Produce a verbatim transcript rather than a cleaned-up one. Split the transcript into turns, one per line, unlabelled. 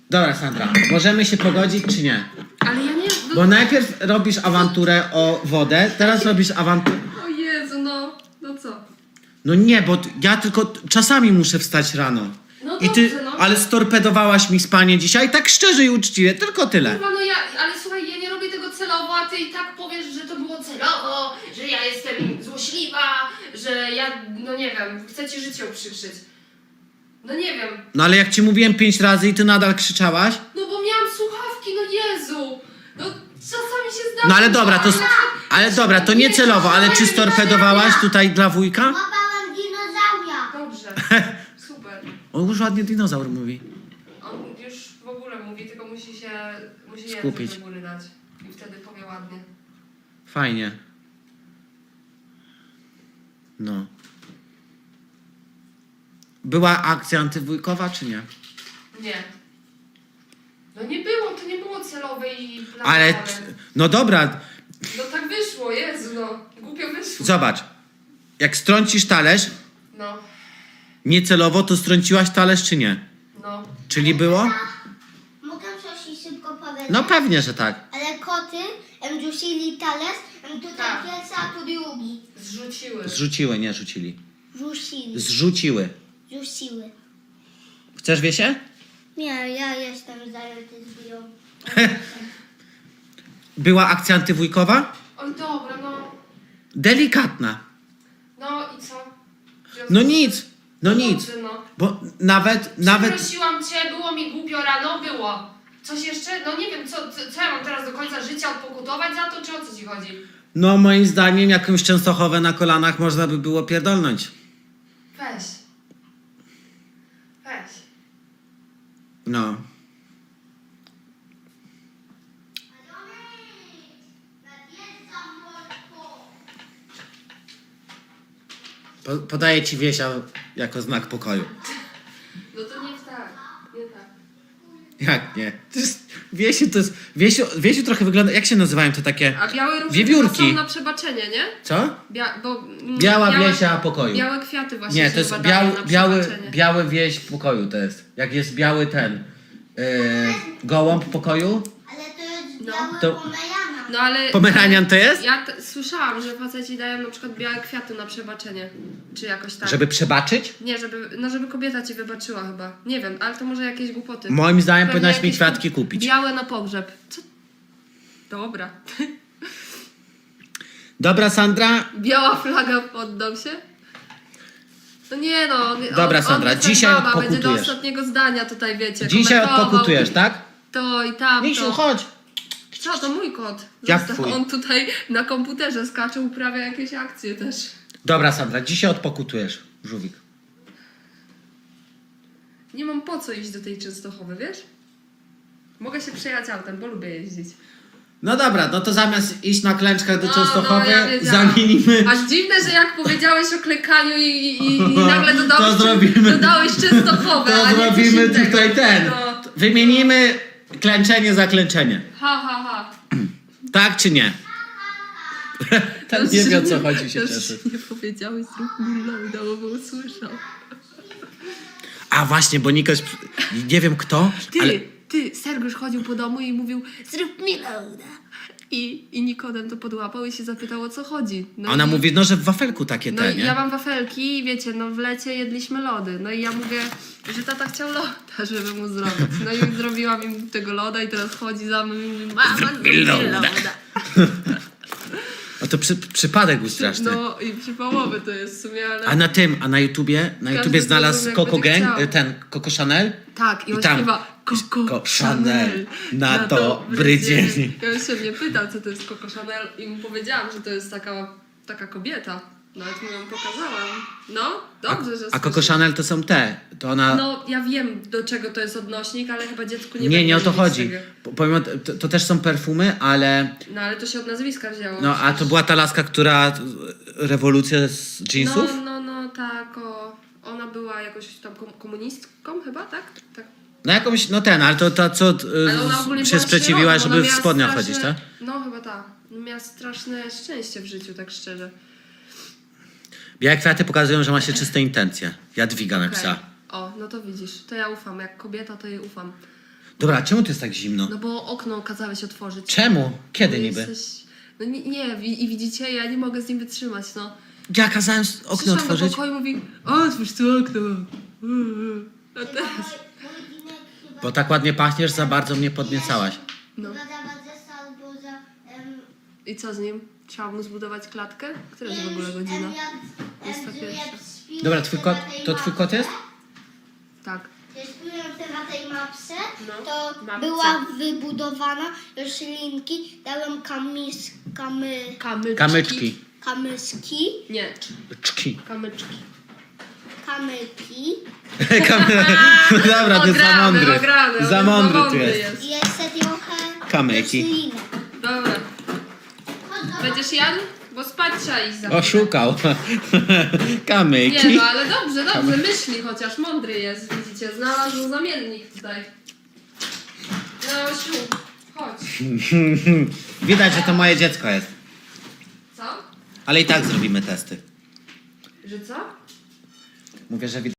Dobra, Sandra, możemy się pogodzić czy nie?
Ale ja nie... No...
Bo najpierw robisz awanturę o wodę, teraz robisz awanturę...
O Jezu, no... No co?
No nie, bo t- ja tylko czasami muszę wstać rano.
No
I ty,
dobrze, no.
ale storpedowałaś mi spanie dzisiaj, tak szczerze i uczciwie, tylko tyle.
Kurwa, no ja... Ale słuchaj, ja nie robię tego celowo, a ty i tak powiesz, że to było celowo, że ja jestem złośliwa, że ja... No nie wiem, chcę ci życie uprzykrzyć. No nie wiem.
No ale jak ci mówiłem pięć razy i ty nadal krzyczałaś?
No bo miałam słuchawki, no Jezu! No czasami się zdarza.
No ale dobra, to... Ale dobra, to nie celowo, ale czy storpedowałaś tutaj dla wujka?
Łapałam dinozaura.
Dobrze, super.
On już ładnie dinozaur mówi.
On już w ogóle mówi, tylko musi się... Musi język
Skupić.
do góry dać. I wtedy powie ładnie.
Fajnie. No. Była akcja antywujkowa, czy nie?
Nie. No nie było, to nie było celowe i planowane.
Ale... t- No dobra,
No tak wyszło, Jezu, no. Głupio wyszło.
zobacz. Jak strącisz talerz,
No,
niecelowo, to strąciłaś talerz, czy nie?
no.
Czyli było?
Mogę coś ci szybko powiedzieć?
No pewnie, że tak.
Ale koty em rzucili talerz, em tutaj
Tak.
pierwszy, a tu drugi.
Zrzuciły.
Zrzuciły, nie rzucili.
Rzucili.
Zrzuciły.
Rzuciły.
Chcesz wiesie?
Nie, ja jestem zajęty z biją.
Była akcja antywujkowa?
Oj, dobra, no.
Delikatna.
No i co?
No nic, no nic.
Dobrze, no.
Bo nawet, nawet...
Przeprosiłam cię, było mi głupio rano, było. Coś jeszcze? No nie wiem, co, co, co ja mam teraz do końca życia odpokutować za to, czy o co ci chodzi?
No moim zdaniem jakąś Częstochowę na kolanach można by było pierdolnąć.
Weź. Weź.
No. Po, podaję ci wiesia jako znak pokoju.
No to nie tak, nie tak.
Jak nie? To jest, wiesiu to jest... Wiesiu, wiesiu trochę wygląda... Jak się nazywają te takie...
A białe róże
Wiewiórki.
są na przebaczenie, nie?
Co?
Bia, bo, mm,
Biała
białe,
wiesia pokoju.
Białe kwiaty właśnie
Nie,
się
to jest
chyba dają
biały,
na
biały,
przebaczenie.
biały wieś pokoju to jest. Jak jest biały ten... Yy, gołąb pokoju?
Ale to jest
No.
biały
To-
pomerana.
No ale...
Pomeranian to jest?
Ja t- słyszałam, że faceci dają na przykład białe kwiaty na przebaczenie. Czy jakoś tak.
Żeby przebaczyć?
Nie, żeby, no żeby kobieta ci wybaczyła chyba. Nie wiem, ale to może jakieś głupoty.
Moim zdaniem
Pewnie
powinnaś mi
jakieś
kwiatki kupić.
Białe na pogrzeb. Co? Dobra.
Dobra, Sandra?
Biała flaga, poddał się? No nie no. On,
Dobra,
on,
Sandra,
on jest jak
dzisiaj
baba, będzie do
odpokutujesz.
ostatniego zdania tutaj, wiecie.
Dzisiaj
komentował
odpokutujesz, tak?
To i tamto.
Misiu, chodź.
Co, to mój kot.
Jak
Został-
twój?
On tutaj na komputerze skacze, uprawia jakieś akcje też.
Dobra, Sandra, dzisiaj odpokutujesz, żółwik.
Nie mam po co iść do tej Częstochowy, wiesz? Mogę się przejechać autem, bo lubię jeździć.
No dobra, no to zamiast iść na klęczkach do
No,
Częstochowy,
no, ja wiedziałam.
zamienimy...
Aż dziwne, że jak powiedziałeś o klekaniu i, i, i, i nagle dodałeś,
To zrobimy-
dodałeś Częstochowę,
To
a nie coś
zrobimy
innego.
tutaj ten.
No.
Wymienimy klęczenie za klęczenie.
Ha, ha, ha.
Tak czy nie? Ten nie wie, o co chodzi, się
Też
cieszy.
nie powiedziałeś, zrób mi loada, bo bym usłyszał.
A właśnie, bo Nikoś... Nie wiem kto,
Ty,
ale...
ty, Sergiusz chodził po domu i mówił, zrób mi loada. I, I Nikodem to podłapał i się zapytał, o co chodzi. No
Ona
i,
mówi, no że w wafelku takie
No
te,
i
nie?
ja mam wafelki i wiecie, no w lecie jedliśmy lody. No i ja mówię, że tata chciał loda, żeby mu zrobić. No i zrobiłam im tego loda i teraz chodzi za mną i mówi, mama, zrób mi loda.
O to przy, przypadek był straszny.
No i przypałowy to jest w sumie, ale...
A na tym, a na YouTubie, na
Każdy
YouTubie znalazł
zrobił, jak
Coco
będzie
Gang,
chciał.
ten Coco Chanel.
Tak, i on
I tam
śpiewa Coco
Coco
Chanel
Chanel na dobry dzień.
Ja już się mnie pytał, co to jest Coco Chanel i mu powiedziałam, że to jest taka, taka kobieta. Nawet mu ją pokazałam. No, dobrze, że
A Coco
słyszy.
Chanel to są te. To ona...
No, ja wiem, do czego to jest odnośnik, ale chyba dziecku nie
nie,
będę
nie o to
mówić
chodzi.
tego.
Po- Powiem, to, to też są perfumy, ale...
No, ale to się od nazwiska wzięło.
No, a to była ta laska, która... Rewolucja z jeansów?
No, no, no, tak, o, ona była jakoś tam kom- komunistką chyba, tak? Tak.
No jakąś, no ten, ale to ta, co
Ale ona ogólnie
y, się
była
sprzeciwiła,
sierotą,
żeby
ona
w
miała
spodniach
straszne-
chodzić, tak?
No, chyba tak. Miała straszne szczęście w życiu, tak szczerze.
Białe kwiaty pokazują, że ma się czyste intencje. Jadwiga
Okej.
napisała.
O, no to widzisz, to ja ufam. Jak kobieta, to jej ufam.
Dobra, czemu to jest tak zimno?
No bo okno kazałeś otworzyć.
Czemu? Kiedy
Bo
niby?
jesteś- No nie, nie wi- i widzicie, ja nie mogę z nim wytrzymać, no.
Ja kazałem s- okno
Przyszłam do
otworzyć.
pokoju i mówi, otwórz to okno. A
Chyba
teraz...
mój, mój Dinek chyba...
Bo tak ładnie pachniesz, za bardzo mnie podniecałaś.
No.
Chyba za Wadzesa albo za... Em,
I co z nim? Trzeba mu zbudować klatkę? Która jest w
em,
ogóle godzina?
em, jak-
Jest
em,
ta
że
pierwsza.
jak śpiłem
Dobra, twój
sobie
kot,
na tej
to twój kot
mapce,
jest?
Tak.
Jak byłem sobie na tej mapce,
No,
to
mapce.
była wybudowana roślinki, dałem kamis, kamy,
Kamyczki.
Kamyczki.
kamyski,
Nie,
Czki.
kamyczki.
kamyki
Kamy... Dobra, ty za
Ograny,
mądry.
ograny,
Za
on
mądry
za
tu jest.
jest.
i jeszcze trochę
Kamyki.
roślinek.
Dobra.
Chodź, zobacz.
Będziesz jadł? Bo spać trzeba iść za
Oszukał.
Nie
Kamyki.
no, ale dobrze, dobrze, myśli chociaż, mądry jest, widzicie, znalazł zamiennik tutaj. No, Osiu, chodź.
Widać, że to moje dziecko jest.
Co?
Ale i tak zrobimy testy.
Że co?
Mówię, że widać.